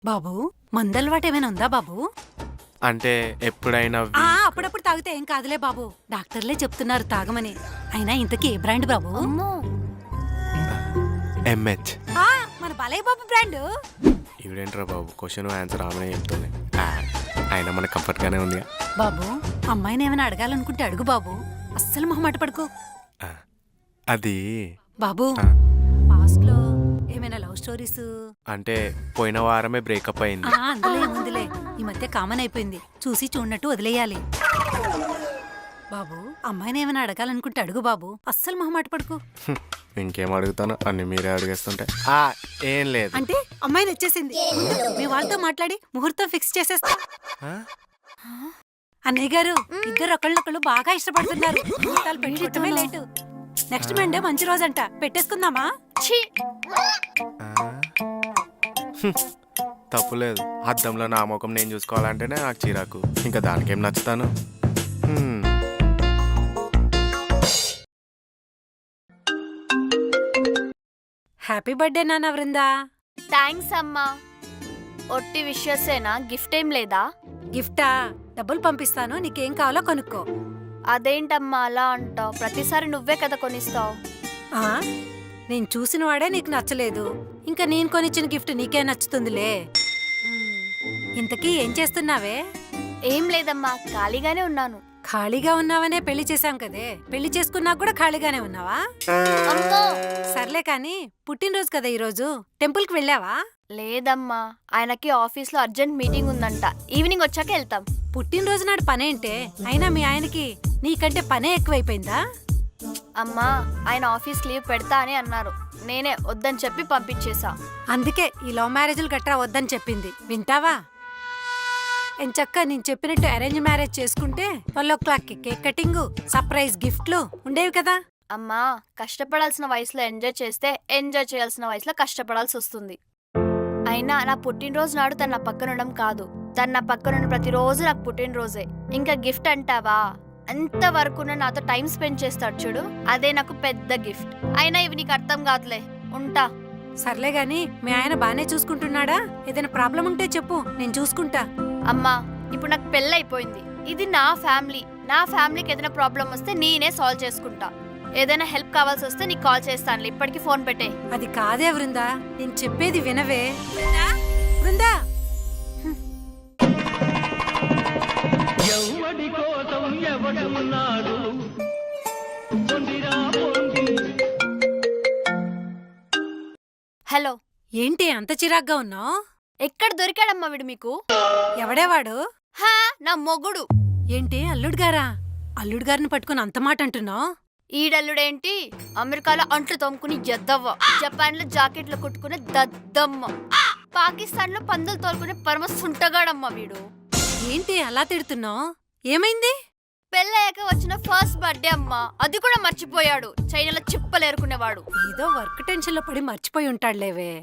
బాబు మందలవాటు ఏమైనా ఉందా బాబు? అంటే ఎప్పుడైనా అప్పుడప్పుడు తాగితే ఏం కాదులే బాబు, డాక్టర్లే చెప్తున్నారు తాగమని. అయినా ఇంతకీ ఏ బ్రాండ్ బాబు? ఎంహెచ్. మన బాలయ్య బాబు బ్రాండ్. ఇవిడేంట్రా బాబు, క్వశ్చన్ ఆన్సర్ ఆమెనే చెప్తుంది. అయినా మనకు కంఫర్ట్ గానే ఉంది బాబు. అమ్మాయిని ఏమైనా అడగాలనుకుంటే అడుగు బాబు, అస్సలు మొహమాట పడుకో. అది బాబు పాస్ట్ లో ఏమైనా లవ్ స్టోరీస్? అంటే పోయిన వారమే బ్రేకప్ అయింది. అందులో ఏముందిలే, ఈ మధ్య కామన్ అయిపోయింది, చూసి చూడనట్టు వదిలేయాలి. బాబు అమ్మాయిని ఏమైనా అడగాలనుకుంటే అడుగు బాబు, అస్సలు మొహమాట పడుకో. ఇంకేం అడుగుతాను, అన్ని మీరే అడిగేస్తుంటే. ఏం లేదు. అంటే అమ్మాయిని వచ్చేసింది, మీ వాళ్ళతో మాట్లాడి ముహూర్తం ఫిక్స్ చేసేస్తా. అన్నయ్య గారు ఇద్దరు ఒకళ్ళొకళ్ళు బాగా ఇష్టపడుతున్నారు, ముహూర్తాలు పెట్టుకోవటమే లేటు. నెక్స్ట్ మండే మంచి రోజంట, పెట్టేసుకుందామా? తప్పులేదు, అద్దంలో నా ముఖం నేను చూసుకోవాలంటేనే నాకు చిరాకు, ఇంకా దానికేం నచ్చుతాను. హ్యాపీ బర్త్డే నాన్న వృందా. థ్యాంక్స్ అమ్మా. ఒట్టి విషయసేనా, గిఫ్ట్ ఏం లేదా? గిఫ్టా? డబ్బులు పంపిస్తాను, నీకేం కావాలో కొనుక్కో. అదేంటమ్మా అలా అంటావు? ప్రతిసారి నువ్వే కదా కొనిస్తావు. నేను చూసిన వాడే నీకు నచ్చలేదు, ఇంకా నేను కొనిచ్చిన గిఫ్ట్ నీకే నచ్చుతుందిలే. ఇంతకీ ఏం చేస్తున్నావే? ఏం లేదమ్మా, ఖాళీగానే ఉన్నాను. ఖాళీగా ఉన్నావనే పెళ్లి చేశాం కదే, పెళ్లి చేసుకున్నా కూడా ఖాళీగానే ఉన్నావా? సర్లే కాని, పుట్టినరోజు కదా ఈరోజు, టెంపుల్ కి వెళ్ళావా? లేదమ్మా, ఆయనకి ఆఫీస్ లో అర్జెంట్ మీటింగ్ ఉందంట, ఈవినింగ్ వచ్చాక వెళ్తాం. పుట్టినరోజు నాడు పనేంటే? అయినా మీ ఆయనకి నీకంటే పనే ఎక్కువైపోయిందా? అమ్మా, ఆయన ఆఫీస్ లీవ్ పెడతా అని అన్నారు, నేనే వద్దని చెప్పి పంపించేశా. అందుకే ఈ లవ్ మ్యారేజ్లు గట్రా వద్దని చెప్పింది. వింటావా? ఎంచక్క నేను చెప్పినట్టు అరేంజ్ మ్యారేజ్ చేసుకుంటే 12 o'clockకి కేక్ కటింగ్, సర్ప్రైజ్ గిఫ్ట్లు ఉండేవి కదా. అమ్మా, కష్టపడాల్సిన వయసులో ఎంజాయ్ చేస్తే ఎంజాయ్ చేయాల్సిన వయసులో కష్టపడాల్సి వస్తుంది. అయినా నా పుట్టినరోజు నాడు తన పక్కన ఉండడం కాదు, తన పక్కన ప్రతిరోజు నాకు పుట్టినరోజే. ఇంకా గిఫ్ట్ అంటావా? అంతవరకు నాతో టైం స్పెండ్ చేస్తాడు చూడు, అదే నాకు పెద్ద గిఫ్ట్. అయినా ఇవి నీకు అర్థం కాదులే, ఉంటా. సర్లే గాని, మీ ఆయన బానే చూసుకుంటున్నాడా? ఏదైనా ప్రాబ్లం ఉంటే చెప్పు, నేను చూసుకుంటా. అమ్మా, ఇప్పుడు నాకు పెళ్ళైపోయింది, ఇది నా ఫ్యామిలీ. నా ఫ్యామిలీకి ఏదైనా ప్రాబ్లం వస్తే నేనే సాల్వ్ చేసుకుంటా. ఏదైనా హెల్ప్ కావాల్సి వస్తే నీకు కాల్ చేస్తానులే, ఇప్పటికి ఫోన్ పెట్టే. అది కాదే వృందా, నేను చెప్పేది వినవే. వృందా, హలో. ఏంటి అంత చిరాగ్గా ఉన్నావు? ఎక్కడ దొరికాడమ్మా వీడు మీకు? ఎవడేవాడు? నా మొగుడు. ఏంటి అల్లుడు గారా? అల్లుడు గారిని పట్టుకుని అంత మాట అంటున్నావు? ఈడల్లుడేంటి, అమెరికాలో అంట్లు తోముకుని ఎద్దవ్వ, జపాన్ లో జాకెట్లు కుట్టుకునే దద్దమ్మ, పాకిస్తాన్ లో పందులు తోలుకునే పరమ సుంటగాడమ్మ వీడు. ఏంటి అలా తిడుతున్నావు? ఏమైంది? పెళ్ళయ్యాక వచ్చిన ఫస్ట్ బర్త్డే అమ్మా, అది కూడా మర్చిపోయాడు. చైనాలో చిప్పలేరుకునేవాడు. ఏదో వర్క్ టెన్షన్ లో పడి మర్చిపోయి ఉంటాడులేవే.